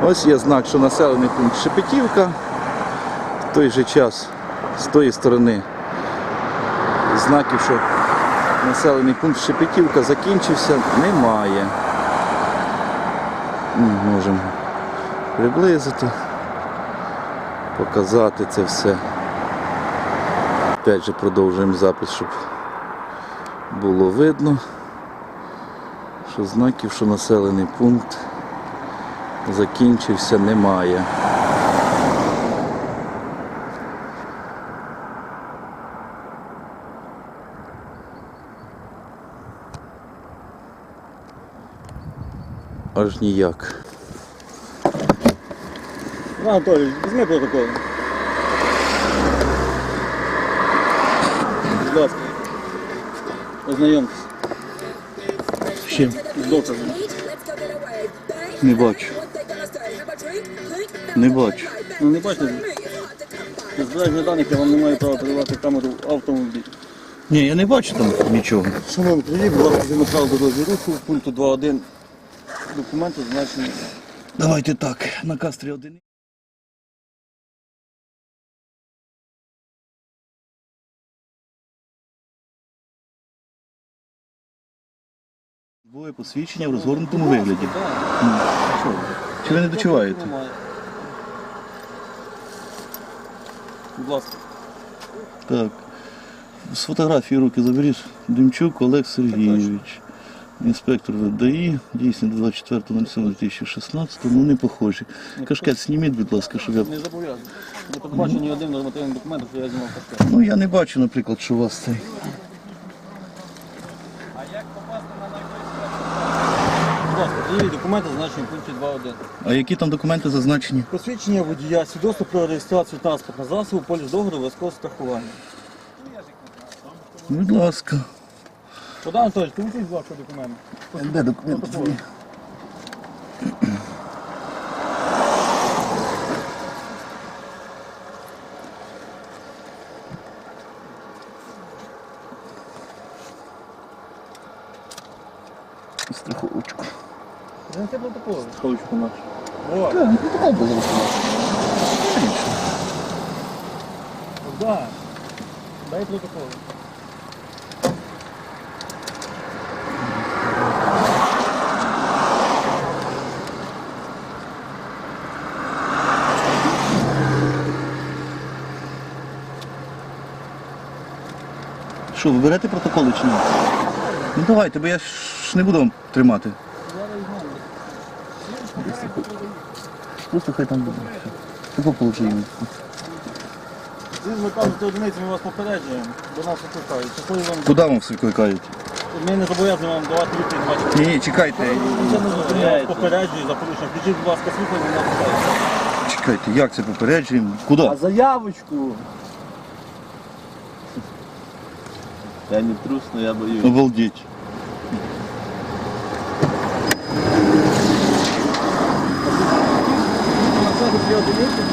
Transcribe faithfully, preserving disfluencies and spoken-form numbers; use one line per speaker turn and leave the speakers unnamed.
Ось є знак, що населений пункт Шепетівка. В той же час з тої сторони знаків, що населений пункт Шепетівка закінчився, немає. Можемо приблизити, показати це все. Опять же продовжуємо запис, щоб було видно, що знаків, що населений пункт закінчився, немає. Аж ніяк.
Анатолій, візьми протокол. Будь ласка. Ознайомтесь.
З чим?
З доказом.
Не бачу. Не бачу.
Ну не бачите? Для збереження даних я вам не маю права передавати камеру в автомобіль.
Ні, я не бачу там нічого.
Шановні, привіт, будь ласка, згідно правил дорожнього руху, пункту два один документи значені.
Давайте так, наказ три один. Двоє посвідчення в розгорнутому вигляді. Ну, що ви? Чи ви не дочуваєте?
Будь ласка.
Так. З фотографії руки заберіть. Демчук Олег Сергійович. Інспектор ВДАІ, дійсно двадцять четвертого лютого дві тисячі шістнадцятого, ну не похожі. Кашкет зніміть, будь ласка, щоб я...
Не зобов'язаний. Не побачу ні один нормативний документ, що я знімав кашкет.
Ну я не бачу, наприклад, що у вас цей.
Будь ласка, привіт, документи значені в пункті два один.
А які там документи зазначені?
Посвідчення водія, свідоцтво про реєстрацію транспортного засобу, поліс договору, обов'язкового страхування.
Будь ласка.
Богдан Анатолійович, ти будь ласка, документи.
Де документи твої? Страховочку.
Принеси протокол.
Страховочку нашу.
О,
Так, протокол без розкладу.
Богдан, дай протокол.
Що, ви берете протоколи чи ні? Ну давайте, бо я ж не буду вам тримати. Просто хай там буде. Тако положимо.
Ви кажете одиниці, ми вас попереджуємо, до нас викликають. Щасливі вам.
Куди вам все викликають?
Ми не зобов'язані вам давати відповідь, бачите.
Ні, ні, чекайте.
Це не зупиняє, попереджую за порушення. Включіть, будь ласка, світло і мене питають.
Чекайте, як це попереджуємо? Куди?
А заявочку?
Я не трус, но я боюсь.
Обалдеть.
На себе дві одиниці,